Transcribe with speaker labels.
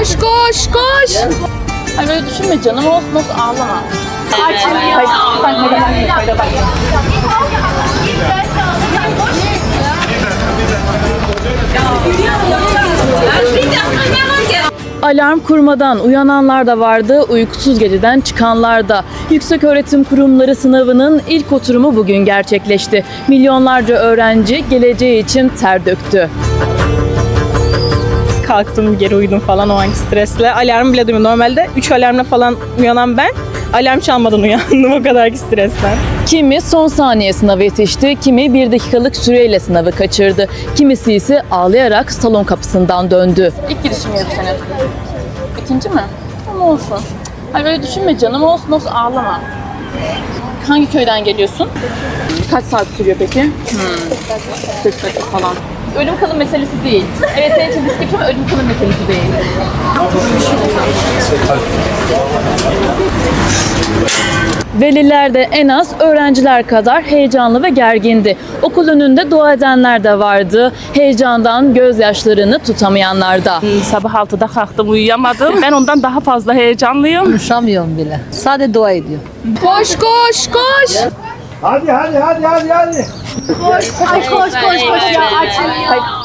Speaker 1: Koş koş koş. Ay böyle düşünme canım, olsun olsun, ağlama. Alarm kurmadan uyananlar da vardı, uykusuz geceden çıkanlar da. Yükseköğretim Kurumları sınavının ilk oturumu bugün gerçekleşti. Milyonlarca öğrenci geleceği için ter döktü.
Speaker 2: Kalktım, geri uyudum falan o anki stresle. Alarm bile duymadım. Normalde 3 alarmla falan uyanan ben, alarm çalmadan uyandım o kadarki stresten.
Speaker 1: Kimi son saniye sınavı yetişti, kimi 1 dakikalık süreyle sınavı kaçırdı. Kimisi ise ağlayarak salon kapısından döndü. İlk girişim mi bu sene? İkinci mi? Ama olsun. Ay böyle düşünme canım, olsun olsun, ağlama. Hangi köyden geliyorsun? Kaç saat sürüyor peki? 40 dakika falan. Ölüm kalım meselesi değil. Evet, senin için riskli ama ölüm kalım meselesi değil. Veliler de en az öğrenciler kadar heyecanlı ve gergindi. Okul önünde dua edenler de vardı. Heyecandan gözyaşlarını tutamayanlar da.
Speaker 2: Sabah 6'da kalktım, uyuyamadım. Ben ondan daha fazla heyecanlıyım.
Speaker 3: Konuşamıyorum bile. Sadece dua ediyor.
Speaker 1: Koş koş koş.
Speaker 4: Hadi.
Speaker 1: Koş koş koş ya, açın ya.